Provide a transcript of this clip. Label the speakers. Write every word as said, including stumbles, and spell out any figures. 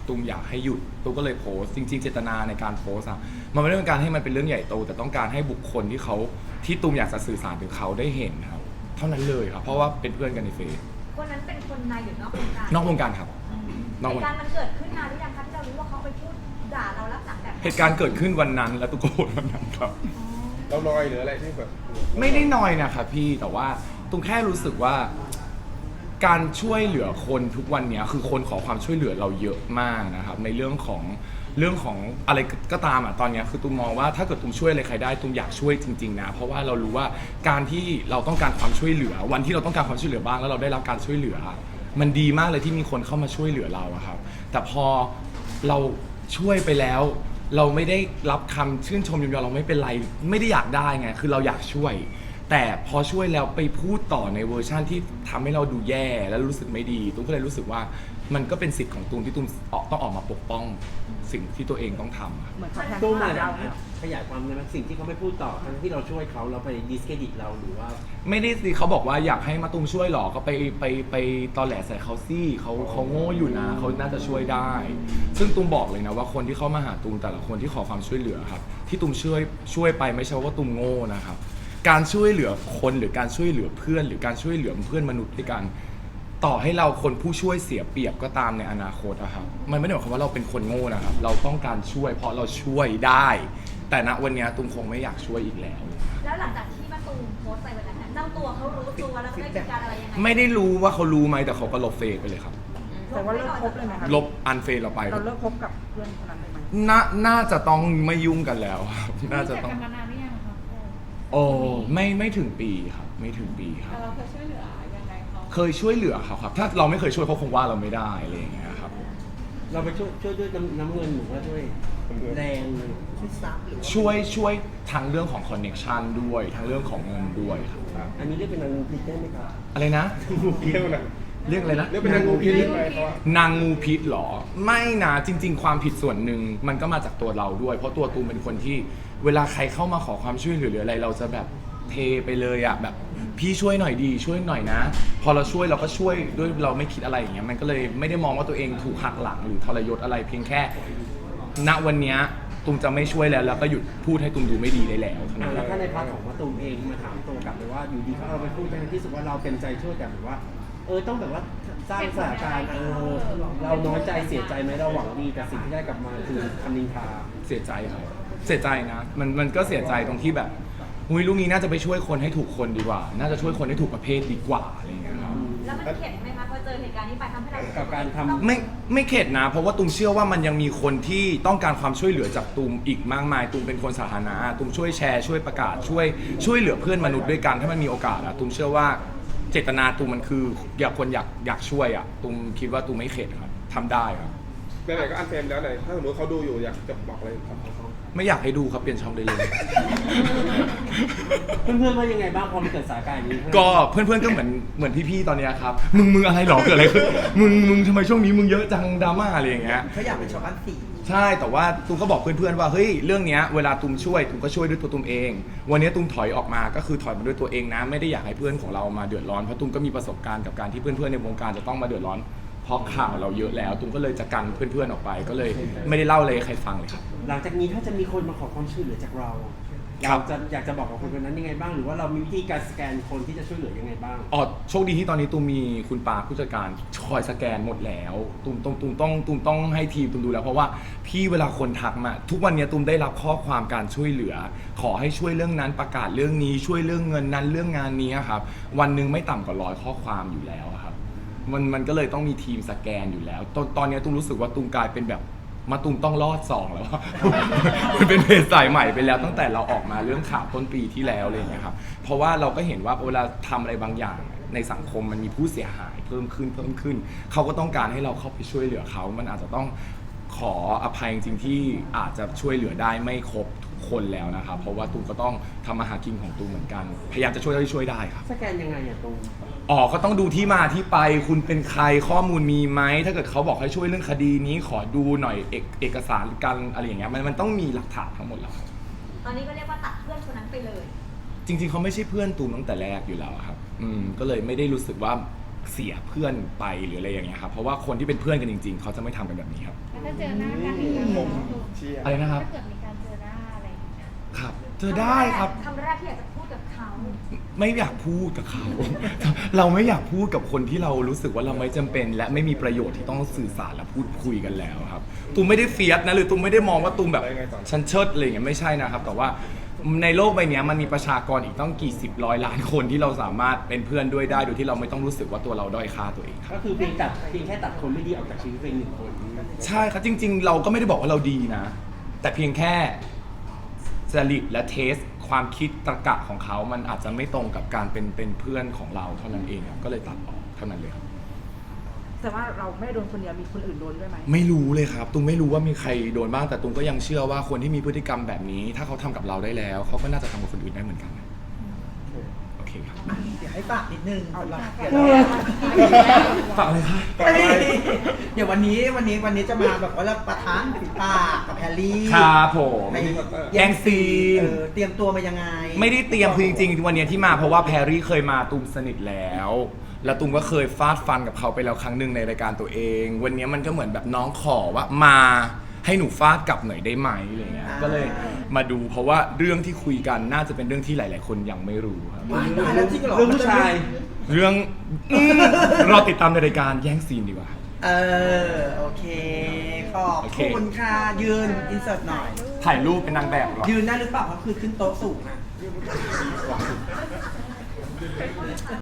Speaker 1: ตูมอยากให้หยุดตูมก็เลยโพสต์จริงๆเจตนาในการโพสต์อะมันไม่ได้เป็นการให้มันเป็นเรื่องใหญ่โตแต่ต้องการให้บุคคลที่เขาที่ตูมอยากจะสื่อสารถึงเขาได้เห็นครับเท่านั้นเลยครับเพราะว่าเป็นเพื่อนกันในเฟซ
Speaker 2: คนนั้นเป็นคนในหรือนอกวงการ
Speaker 1: นอกวงการครับนอกว
Speaker 2: เห
Speaker 1: ง
Speaker 2: ตุ
Speaker 1: กา
Speaker 2: การ รณ์มันเกิดขึ้นนานหรือยังคะที่เรารู้ว่าเขาไปพูดด่าเราลักษณะแบบ
Speaker 1: เหตุการณ์เกิดขึ้นวันนั้นและตุกโกรธวันนั้นครับ
Speaker 3: เราลอยหรืออะไรที่แบบ
Speaker 1: ไม่ได้น้อยนะครับพี่แต่ว่าตุงแค่รู้สึกว่าการช่วยเหลือคนทุกวันนี้คือคนขอความช่วยเหลือเราเยอะมากนะครับในเรื่องของเรื่องของอะไรก็ตามอ่ะตอนนี้คือตุมมองว่าถ้าเกิดตุมช่วยอะไรใครได้ตุมอยากช่วยจริงๆนะเพราะว่าเรารู้ว่าการที่เราต้องการความช่วยเหลือวันที่เราต้องการความช่วยเหลือบ้างแล้วเราได้รับการช่วยเหลือมันดีมากเลยที่มีคนเข้ามาช่วยเหลือเราอะครับแต่พอเราช่วยไปแล้ว เราไม่ได้รับคำชื่นชมยมยอเราไม่เป็นไรไม่ได้อยากได้ไงคือเราอยากช่วย แต่พอช่วยแล้วไปพูดต่อในเวอร์ชั่นที่ทำให้เราดูแย่แล้วรู้สึกไม่ดีตุ้มก็เลยรู้สึกว่ามันก็เป็นสิทธิ์ของตุ้มที่ตุ้มต้องออกมาปกป้องสิ่งที่ตัวเองต้องทำ
Speaker 4: เหมือนเขาแทง
Speaker 5: ตู้มา
Speaker 4: เรา
Speaker 5: ขยายความในสิ่งที่เขาไม่พูดต่อทั้งที่เราช่วยเขาเราไปดิสเครดิตเราหรือว่า
Speaker 1: ไม่ได้สิเขาบอกว่าอยากให้มาตุ้มช่วยหรอก็ไปไปไปตอแหลใส่เขาซี่เขาเขาโง่อยู่นะเขาน่าจะช่วยได้ ซึ่งตุ้มบอกเลยนะว่าคนที่เข้ามาหาตุ้มแต่ละคนที่ขอความช่วยเหลือครับที่ตุ้มช่วยช่วยไปไม่ใช่ว่าตุ้มโง่นะครับการช่วยเหลือคนหรือการช่วยเหลือเพื่อน หรือการช่วยเหลือเพื่อนมนุษย์ด้วยกันต่อให้เราคนผู้ช่วยเสียเปรียบก็ตามในอนาคตอะครับมันไม่ได้หมายความว่าเราเป็นคนโง่นะครับเราต้องการช่วยเพราะเราช่วยได้ แต่ณวันนี้ตุ้มคงไม่อยากช่วยอีกแล้ว
Speaker 2: แล้วหลังจากที่มาตูมโพสต์ไปวันนั้นน่ะเจ้าตัวเขารู้ตัวแล้วได้จัดการอะไรยังไง
Speaker 1: ไม่ได้รู้ว่าเขารู้ไหมแต่เขาก็ลบเฟซไปเลยครับ
Speaker 4: แต่ว่าเลิกคบเลยไหมคะ
Speaker 1: ลบอันเฟซเราไป
Speaker 4: เราเลิกคบกับเพื่อนคนนั้นเลยไหม
Speaker 1: น่าน่าจะต้องไม่ยุ่งกันแล้วครับน่าจะต้อง
Speaker 6: รู้จักกันมานานหรือยังครับ
Speaker 1: โอ้ไม่ไม่ถึงปีครับไม่ถึงปีครับ
Speaker 6: แต่เราเคยช่วยเหลือยังไงเขา
Speaker 1: เคยช่วยเหลือเขาครับ ถ้าเราไม่เคยช่วยเขาคงว่าเราไม่ได้อะไรอย่างเงี้ยครับ
Speaker 5: เราไปช่วยช่วยด้วยน้ำน้ำเงินหรือว่าด้วยแรงเลย
Speaker 1: ช่วยช่วยทั้งเรื่องของคอนเน็ชันด้วยทั้งเรื่องของเงินด้วยครับ
Speaker 5: อันนี้เรียกเป็นนางงูพิษได้ไหมครับ
Speaker 1: อะไรนะ
Speaker 3: เรียกว่าอะไร
Speaker 1: เรียกอะไรนะ
Speaker 3: เรียกเป็นนางงูพิษได้ไหมเขาอะ
Speaker 1: นางงูพิษเหรอไม่นะจริง ๆ ความผิดส่วนหนึ่งมันก็มาจากตัวเราด้วย เพราะตัวตูมเป็นคนที่เวลาใครเข้ามาขอความช่วยเหลือหรืออะไรเราจะแบบเทไปเลยอะแบบพี่ช่วยหน่อยดีช่วยหน่อยนะ พอเราช่วยเราก็ช่วยด้วยเราไม่คิดอะไรอย่างเงี้ยมันก็เลยไม่ได้มองว่าตัวเองถูกหักหลังหรือทรยศอะไรเพียงแค่ ณวันเนี้ยตูมจะไม่ช่วยแล้วแล้วก็หยุดพูดให้ตูมดูไม่ดีได้แล้วเท่านั้น
Speaker 5: แล้วถ้าในพาร์ทของมะตูมเองมาถามตัวกลับเลยว่าอยู่ดีเขาเอาไปพูดทั้งที่รู้สึกว่าเราเต็มใจช่วยแต่แบบว่า เออต้องแบบว่าสร้างสถานการณ์เออเราน้อยใจเสียใจไหมเราหวังดีแต่สิ่งที่ได้กลับมาคือคำนินทา
Speaker 1: เสียใจครับเสียใจนะมันมันก็เสียใจตรงที่แบบหุยลูกนี้น่าจะไปช่วยคนให้ถูกคนดีกว่า น่าจะช่วยคนให้ถูกประเภทดีกว่าอะไรอย่างเงี้ยครับ
Speaker 2: แล้วมันเข็ดไหมคะพอเจอเหตุการณ์นี้ไปทำให้เรารู้สึ
Speaker 5: กับการทำ
Speaker 2: ต้อง
Speaker 1: ไม่ไม่เข็ดนะ เพราะว่าตูมเชื่อว่ามันยังมีคนที่ต้องการความช่วยเหลือจากตูมอีกมากมายตูมเป็นคนสาธารณะตูมช่วยแชร์ช่วยประกาศช่วยช่วยเหลือเพื่อนมนุษย์ด้วยกันถ้ามันมีโอกาสอะตูมเชื่อว่าเจตนาตูมมันคืออยากคนอยากอยากช่วยอะตูมคิดว่าตูมไม่เข็ดครับทำได้ครับ
Speaker 3: ไหนๆก็อันเฟรมแล้วไหนถ้าสมมติเขาดูอยู่อยากจะบอกอะไรกับเขา
Speaker 1: ไม่อยากให้ดูครับเปลี่ยนช่องได้เลย
Speaker 5: เพื่อนๆว่ายังไงบ้างพอมันเกิดสถานการณ์อย่างนี้
Speaker 1: ก็เพื่อนๆก็เหมือนเหมือนพี่ๆตอนเนี้ยครับมึงมึงอะไรหรอเกิดอะไรขึ้นมึงมึงทำไมช่วงนี้มึงเยอะจังดราม่าอะไรอย่างเงี้ย
Speaker 4: เขาอยากเป็นชาวบ้านสี่
Speaker 1: ใช่แต่ว่าตูมก็บอกเพื่อนๆว่าเฮ้ยเรื่องเนี้ยเวลาตูมช่วยตูมก็ช่วยด้วยตัวตูมเอง วันนี้ตูมถอยออกมาก็คือถอยมาด้วยตัวเองนะไม่ได้อยากให้เพื่อนของเรามาเดือดร้อนเพราะตูมก็มีประสบการณ์กับการที่เพื่อนๆในวงการจะต้องมาเดือดร้อนเพราะข่าวเราเยอะแล้วตูมก็เลยจะกันเพื่อนๆออกไปก็เลยไม่ได้เล่าเลยให้ใครฟังเลยครับ
Speaker 5: หลังจากนี้ถ้าจะมีคนมาขอความช่วยเหลือจากเรา
Speaker 1: ครั
Speaker 5: เรา
Speaker 1: บ
Speaker 5: จะอยากจะบอกกับคนคนนั้นยังไงบ้าง หรือว่าเรามีวิธีการสแกนคนที่จะช่วยเหลือยังไงบ้าง
Speaker 1: อ๋อโชคดีที่ตอนนี้ตูมมีคุณปาผู้จัดการคอยสแกนหมดแล้วตูมตูมตูมต้องตูมต้องให้ทีมตูมดูแล้วเพราะว่าพี่เวลาคนทักมาทุกวันนี้ตูมได้รับข้อความการช่วยเหลือ ขอให้ช่วยเรื่องนั้นประกาศเรื่องนี้ช่วยเรื่องเงินนั้นเรื่องงานนี้ครับวันหนึ่งไม่ต่ำกว่าร้อยข้อความอยู่แล้วครับมันมันก็เลยต้องมีทีมสแกนอยู่แล้ว ตอนตอนนี้ตูมรู้สึกว่าตูมกลายเป็นแบบมาตูมต้องรอดสองแล้ว มันเป็นเพจสายใหม่ไปแล้วตั้งแต่เราออกมาเรื่องข่าวต้นปีที่แล้วอะไรอย่างเงี้ยครับเพราะว่าเราก็เห็นว่าเวลาทำอะไรบางอย่างในสังคมมันมีผู้เสียหายเพิ่มขึ้นเพิ่มขึ้นเขาก็ต้องการให้เราเข้าไปช่วยเหลือเขามันอาจจะต้องขออภัยจริงๆที่อาจจะช่วยเหลือได้ไม่ครบทุกคนแล้วนะครับเพราะว่าตูมก็ต้องทำมาหากินของตูมเหมือนกันพยายามจะช่วยเท่าที่ช่วยได้ครับ
Speaker 5: สแกนยังไงอะตรง
Speaker 1: อ๋อก็ต้องดูที่มาที่ไปคุณเป็นใครข้อมูลมีไหมถ้าเกิดเขาบอกให้ช่วยเรื่องคดีนี้ขอดูหน่อยเอกเอกสารกันอะไรอย่างเงี้ยมันมันต้องมีหลักฐานทั้งหมดแล้วครับ
Speaker 2: ตอนนี้ก็เรียกว่าตัดเพื่อนคนนั้นไปเลย
Speaker 1: จริงๆเขาไม่ใช่เพื่อนตูมตั้งแต่แรกอยู่แล้วอะครับอืมก็เลยไม่ได้รู้สึกว่าเสียเพื่อนไปหรืออะไรอย่างเงี้ยครับเพราะว่าคนที่เป็นเพื่อนกันจริง ๆ เขาจะไม่ทำกันแบบนี้ครับ
Speaker 6: แล้วถ้าเจอหน้ากันอีกแล้ว
Speaker 3: ผมเชียร์
Speaker 1: อะไรนะครับ
Speaker 6: ถ้าเกิดมีการเจอหน้าอะไรอย่างเงี้ย
Speaker 1: ครับเจอได้ครับ
Speaker 2: คำแรกที่อยากจะพูดกับเขา
Speaker 1: ไม่อยากพูดกับเขา เราไม่อยากพูดกับคนที่เรารู้สึกว่าเราไม่จำเป็น และไม่มีประโยชน์ที่ต้องสื่อสารและพูดคุยกันแล้วครับตูมไม่ได้เฟียสนะหรือตูมไม่ได้มองว่าตูมแบบฉันเชิดอะไรอย่างเงี้ยไม่ใช่นะครับ แต่ว่าในโลกใบนี้มันมีประชากรอีกต้องกี่สิบร้อยล้านคนที่เราสามารถเป็นเพื่อนด้วยได้โดยที่เราไม่ต้องรู้สึกว่าตัวเราด้อยค่าตัวเองครับ
Speaker 5: ก็คือเพียงตัดเพียงแค่ตัดคนไม่ดีออกจากชีวิตเพียงหนึ่งคน
Speaker 1: ใช่ครับจริง ๆ เราก็ไม่ได้บอกว่าเราดีนะ แต่เพียงแค่จริตและเทสความคิดตรรกะของเขามันอาจจะไม่ตรงกับการเป็นเป็นเพื่อนของเราเท่านั้นเองครับก็เลยตัดออกเท่านั้นเลยครับ
Speaker 4: แต่ว่าเราไม่ได้โดนคนเดียวมีคนอื่นโดนด้วยไหม
Speaker 1: ไม่รู้เลยครับตุ้มไม่รู้ว่ามีใครโดนบ้างแต่ตุ้มก็ยังเชื่อว่าคนที่มีพฤติกรรมแบบนี้ ถ้าเขาทำกับเราได้แล้วเขาก็น่าจะทำกับคนอื่นได้เหมือนกันนะโอเคครับ
Speaker 7: เดี๋ยวให้ฝากนิดนึงสำหรับเดี๋ยว
Speaker 1: ฝากอะไรคะ
Speaker 7: เดี๋ยววันนี้วันนี้วันนี้จะมาแบบว่าเราประทานฝีปากกับแฮร์รี่
Speaker 1: ครับผม
Speaker 7: ใน
Speaker 1: แย่งซีน
Speaker 7: เออเตรียมตัวมายังไง
Speaker 1: ไม่ได้เตรียมคือจริงๆวันเนี้ยที่มาเพราะว่าแพรรี่เคยมาตุ้มสนิทแล้ว แล้วตุ้มก็เคยฟาดฟันกับเขาไปแล้วครั้งหนึ่งในรายการตัวเอง วันเนี้ยมันก็เหมือนแบบน้องขอว่ามาให้หนูฟาดกลับหน่อยได้ไหมอะไรเงี้ย
Speaker 7: อ่า
Speaker 1: ก็เลยมาดูเพราะว่าเรื่องที่คุยกันน่าจะเป็นเรื่องที่หลาย ๆ คนยังไม่รู้ครับ
Speaker 7: ว้ายตายแล้วจริงเหรอ
Speaker 5: เรื่องผู้ชาย
Speaker 1: เรื่องอืมรอติดตามในรายการแย่งซีนดีกว่า
Speaker 7: เออโอเคขอบ
Speaker 1: โอเค
Speaker 7: คุณค่ะยืนอินเสิร์ตหน่อย
Speaker 1: ถ่ายรูปเป็นนางแบบดีกว่า
Speaker 7: ยืนได้หรือเปล่าเพราะคือขึ้นโต๊ะสูงอะ